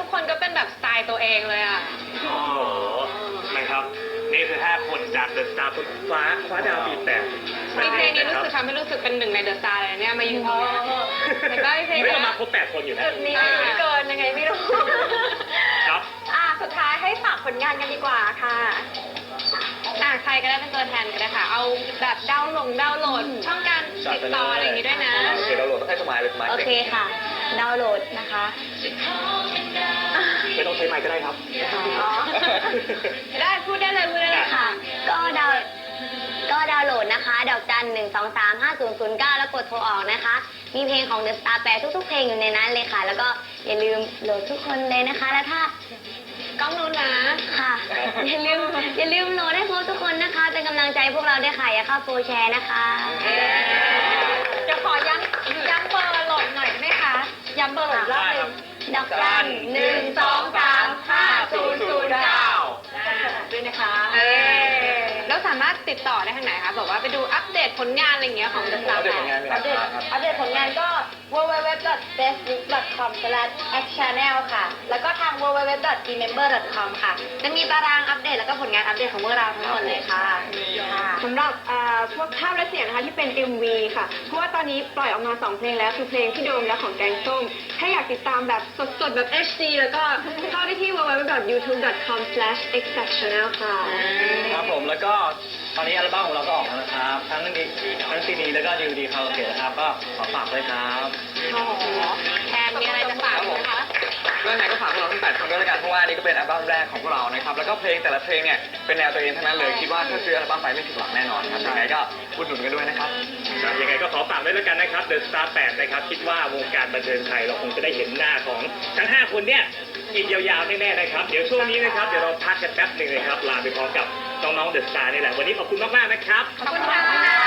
กคนก็เป็นแบบสไตล์ตัวเองเลยอ่ะโอ้โหนะครับนี่คือ5คนจากเดอะสตาร์คนคว้าดาวปีแปดมีเพลงนี้รู้สึกทำให้รู้สึกเป็นหนึ่งในเดอะสตาร์เลยเนี่ยมายืนตรงนี้แล้วก็เพลงไม่นี้เอามาครบ8 คนอยู่นะจุดนี้ไม่เกินยังไงไม่รู้ครับสุดท้ายให้ฝากผลงานกันดีกว่าค่ะใครก็ได้เป็นตัวแทนก็ได้ค่ะ เอาแบบดาวน์โหลดช่องการติดต่ออะไรอย่างงี้ด้วยนะโอเคดาวน์โหลดต้องให้สมัยเลยสมัยโอเคค่ะ ดาวน์โหลดนะคะไม่ต้องใช้ไมค์ก็ได้ครับได้พูดได้เลยค่ะก็ดาวน์โหลดนะคะ ดอกจัน 1235009 แล้วกดโทรออกนะคะ มีเพลงของ The Star แปรทุกๆเพลงอยู่ในนั้นเลยค่ะ แล้วก็อย่าลืมโหลดทุกคนเลยนะคะ แล้วถ้ากล้องนู้นนะค่ะ อย่าลืมโหลดให้พวกทุกคนนะคะ เป็นกำลังใจพวกเราด้วยค่ะ อย่าเข้าโฟร์แชร์นะคะจะขอย้ำเบอร์โหลดหน่อยได้ไหมคะ ย้ำเบอร์โหลดรอบหนึงดอกจันด้วยนะคะแล้วสามารถติดต่อได้ทางไหนคะบอกว่าไปดูอัปเดตผลงานอะไรอย่างเงี้ยของ The อั Star ปเดตผลงานอัปเดตผลงานก็ www.facebook.com/actchannel ค่ะ แล้วก็ทาง www.remember.com ค่ะ จะมีตารางอัปเดตแล้วก็ผลงานอัปเดตของพวกเราทั้งหมดเลยค่ะสำหรับพวกภาพและเสียงนะคะที่เป็น MV ค่ะ เพราะว่าตอนนี้ปล่อยออกมา2เพลงแล้วคือเพลงที่โดมและของแกงส้ม ถ้าอยากติดตามแบบสดๆแบบ HD แล้วก็เข้าได้ที่ www.youtube.com/exactchannel ค่ะครับผมแล้วก็ตอนนี้อัลบั้มของเราก็ออกแล้วนะครับ ทั้งซีดีแล้วก็ DVD คาราโอเกะนะครับก็ขอฝากด้วยครับแทนมีอะไรจะฝากไหมคะเรื่องไหนก็ฝากพวกเราทั้ง8 คนด้วยละกันเพราะว่านี่ก็เป็นอัลบั้มแรกของพวกเรานะครับแล้วก็เพลงแต่ละเพลงเนี่ยเป็นแนวตัวเองทั้งนั้นเลยคิดว่าถ้าซื้ออัลบั้มไปไม่ผิดหวังแน่นอนครับยังไงก็อุดหนุนกันด้วยนะครับยังไงก็ขอฝากด้วยแล้วกันนะครับ The Star 8 นะครับ คิดว่าวงการบันเทิงไทยเราคงจะได้เห็นหน้าของทั้ง 5 คนเนี่ยอีกยาวๆแน่ๆนะครับ เดี๋ยวช่วงนี้นะครับ เดี๋ยวเราพักกันแป๊บหนึ่งนะครับ ลาไปพร้อมกับน้องๆ The Star นี่แหละ วันนี้ขอบคุณมากๆนะครับขอบคุณค่ะ